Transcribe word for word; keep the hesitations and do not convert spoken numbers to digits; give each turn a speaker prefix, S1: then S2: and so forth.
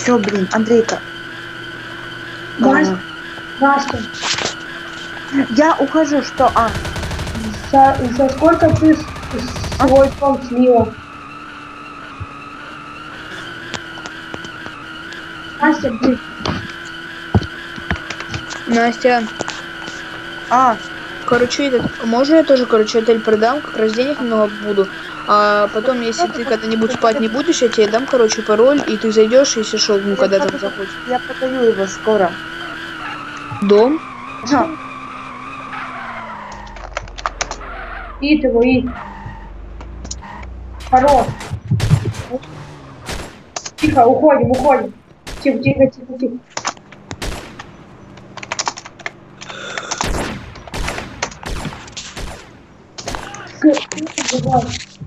S1: Все, блин, Андрейка.
S2: Настя, Настя,
S1: Я ухожу, что? А,
S2: за, за сколько ты с-
S1: А?
S2: свой дом слила? Настя, блин,
S3: Настя,
S1: а,
S3: короче, этот, можно я тоже, короче, отель продам, как раз денег немного буду. А потом, если ты когда-нибудь спать не будешь, я тебе дам, короче, пароль, и ты зайдешь, если что, ну, когда там захочешь.
S1: я продаю его скоро.
S3: Дом?
S1: А,
S2: ид его, ид. Хорош. Тихо, уходим, уходим. Тихо, тихо, тихо, тихо. Всё, давай.